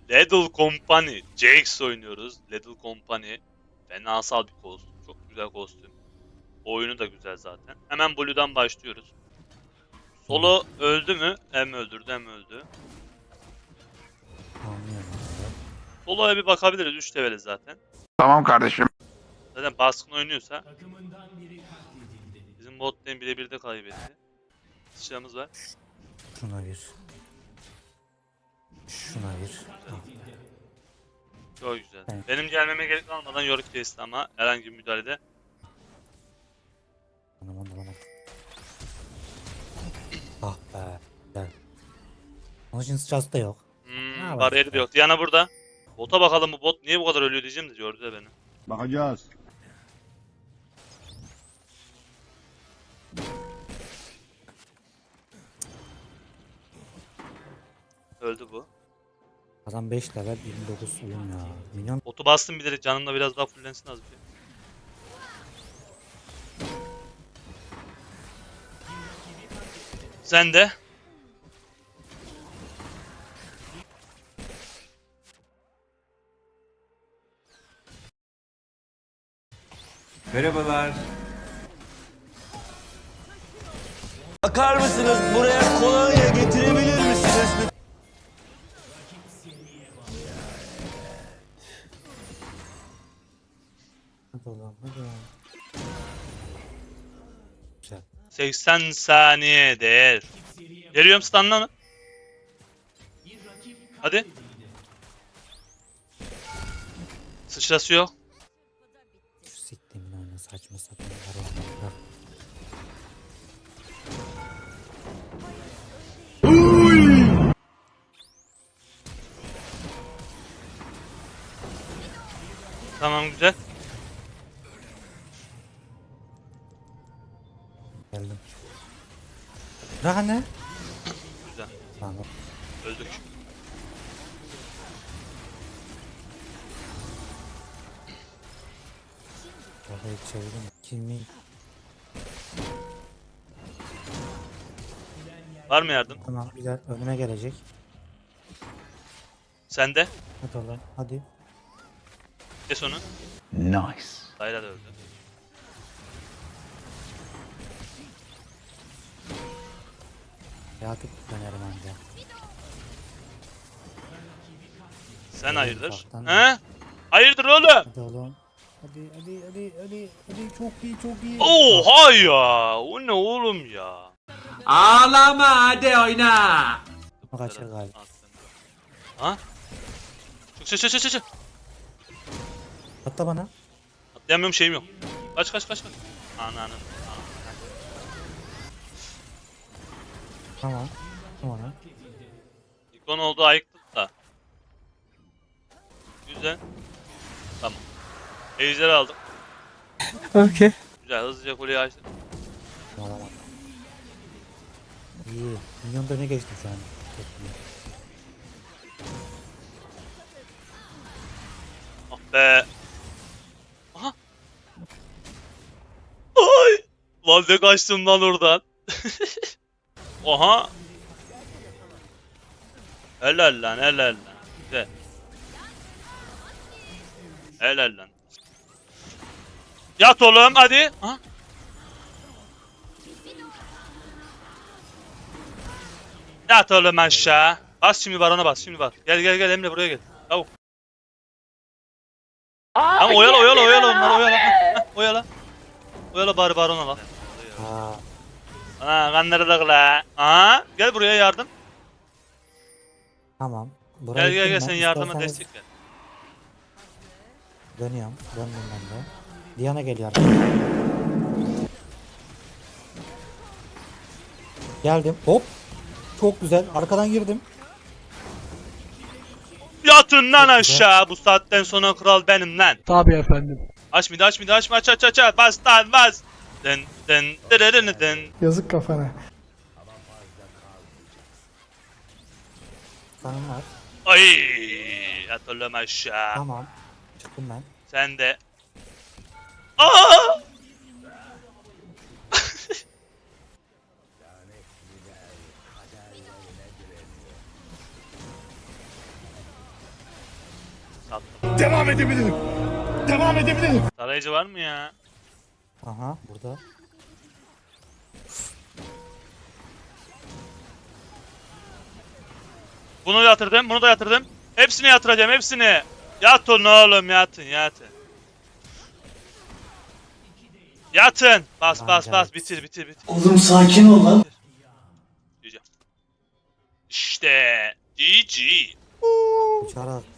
Little Company. Jax oynuyoruz. Little Company. Fenasal bir kostüm. Çok güzel kostüm. Oyunu da güzel zaten. Hemen Blue'dan başlıyoruz. Solo öldü mü? Hem öldürdü hem öldü. Anlıyorum abi. Solo'ya bir bakabiliriz. 3 leveli zaten. Tamam kardeşim. Zaten baskın oynuyorsa. Bizim bot lane birebir de kaybetti. Sıçramız var. Şuna bir. Şuna bir. Tamam. Çok güzel. Evet. Benim gelmeme gerek kalmadan Yorick kesti ama herhangi bir müdahalede. Anam. Ah be. Güzel. Onun için sıçrası da yok. Ne Bariyeri de yok. Diana burada. Bota bakalım bu bot niye bu kadar ölüyor diyeceğim de gördü de beni. Bakacağız. Öldü bu. Adam 5 level 29 oyun ya. Minyon Botu bastım bir de canım da biraz daha fullensin az bir şey. Sen de. Merhabalar. Bakar mısınız? Buraya kolonya getirebilir misiniz? hadi oğlum hadi oğlum. Güzel. 80 saniye değer. Geliyorum stunla mı? Hadi. Sıçrası yok. Şu siktiğimin oyunu saçma sapan var ya. Tamam güzel. Geldim. Daha ne? Güzel. Tamam. Öldük. Kafayı çevirdim. Kimin? Var mı yardım? Tamam güzel. Önüme gelecek. Sen de. Hadi oğlum hadi. Kes onu. Nice. Dayla da öldü. Yatıp dönerim anca. Sen hayırdır? ufaktan. He? Hayırdır oğlum? Hadi oğlum. Hadi. Çok iyi. Oha ya. O ne oğlum ya? Ağlama hadi oyna. Kaçır galiba. Ha? Çık. Atla bana. Atlayamıyorum şeyim yok. Kaç. Ananı. Tamam. Tamam. İkon oldu ayıktık da. Güzel. Tamam. Ejder aldım. Okey. Güzel hızlıca kuleyi açtım. Tamam. İyi. Milyon da ne geçtim şu an. Çok iyi. Ah be. Aha. Ay. Lan ne kaçtım lan oradan. Oha. Helal lan. Güzel. Helal lan. Yat oğlum hadi. Ha? Yat oğlum aşağı. Bas şimdi var ona bas şimdi var. Gel Emre buraya gel. Çabuk. Ama oyala onları oyala. Heh, oyala. Oyala bari barona la. Aa, Ana kanları da kıla. Aha gel buraya yardım. tamam. Buraya Gel gittim sen ben. yardıma İsterseniz destek ver. dönüyorum. Döndüm ben de. Diana geliyor. Geldim. Hop. Çok güzel. Arkadan girdim. Yatın lan Çok güzel. aşağı. Bu saatten sonra kral benim lan. Tabii efendim. Aç mıydı aç. Bas lan bas. Den. Yazık kafana. Kanım var. Ay yat oğlum aşağı. Tamam. Çıktım ben. Sen de. Aa! Attım. Devam edebilirim. Devam edebilirim. Tarayıcı var mı ya? Aha burada. Bunu yatırdım, bunu da yatırdım. Hepsini yatıracağım, hepsini. Yatın oğlum, yatın, yatın. Yatın. Bas, Lan bas, bas. Cahit. Bitir, bitir, bitir. Oğlum sakin ol lan. Diyeceğim. İşte. GG. Uçarak